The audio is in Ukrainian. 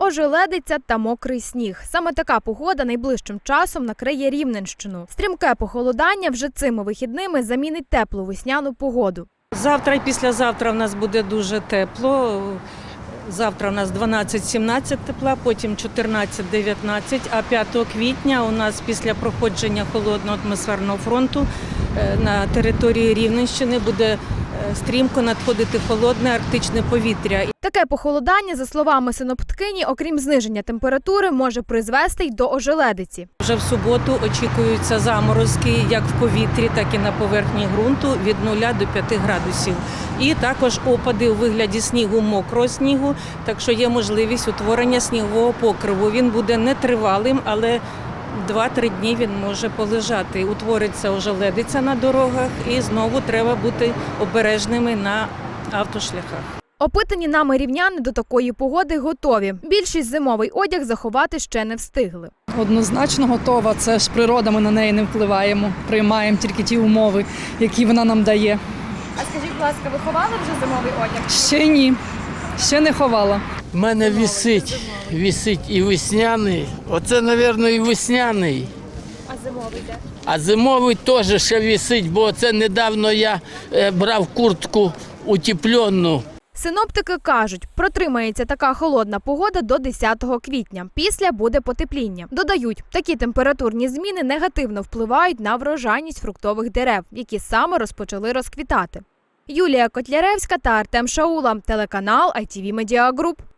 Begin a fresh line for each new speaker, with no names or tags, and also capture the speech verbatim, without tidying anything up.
ожеледиця та мокрий сніг. Саме така погода найближчим часом накриє Рівненщину. Стрімке похолодання вже цими вихідними замінить теплу весняну погоду.
Завтра і післязавтра в нас буде дуже тепло. Завтра у нас дванадцять-сімнадцять тепла, потім чотирнадцять-дев'ятнадцять, а п'ятого квітня у нас після проходження холодного атмосферного фронту на території Рівненщини буде стрімко надходити холодне арктичне повітря.
Таке похолодання, за словами синоптикині, окрім зниження температури, може призвести й до ожеледиці.
Вже в суботу очікуються заморозки як в повітрі, так і на поверхні ґрунту від нуля до п'яти градусів. І також опади у вигляді снігу, мокрого снігу, так що є можливість утворення снігового покриву. Він буде нетривалим, але два-три дні він може полежати. Утвориться ожеледиця на дорогах і знову треба бути обережними на автошляхах.
Опитані нами рівняни до такої погоди готові. Більшість зимовий одяг заховати ще не встигли.
Однозначно готова. Це ж природа, ми на неї не впливаємо. Приймаємо тільки ті умови, які вона нам дає.
А скажіть, будь ласка, ви ховали вже зимовий одяг?
Ще ні. Ще не ховала.
У мене висить, висить і весняний. Оце, мабуть, і весняний.
А зимовий де?
А зимовий теж ще висить, бо це недавно я брав куртку утеплену.
Синоптики кажуть, протримається така холодна погода до десятого квітня. Після буде потепління. Додають, такі температурні зміни негативно впливають на врожайність фруктових дерев, які саме розпочали розквітати. Юлія Котляревська та Артем Шаула, телеканал ай ті ві Медіа Груп.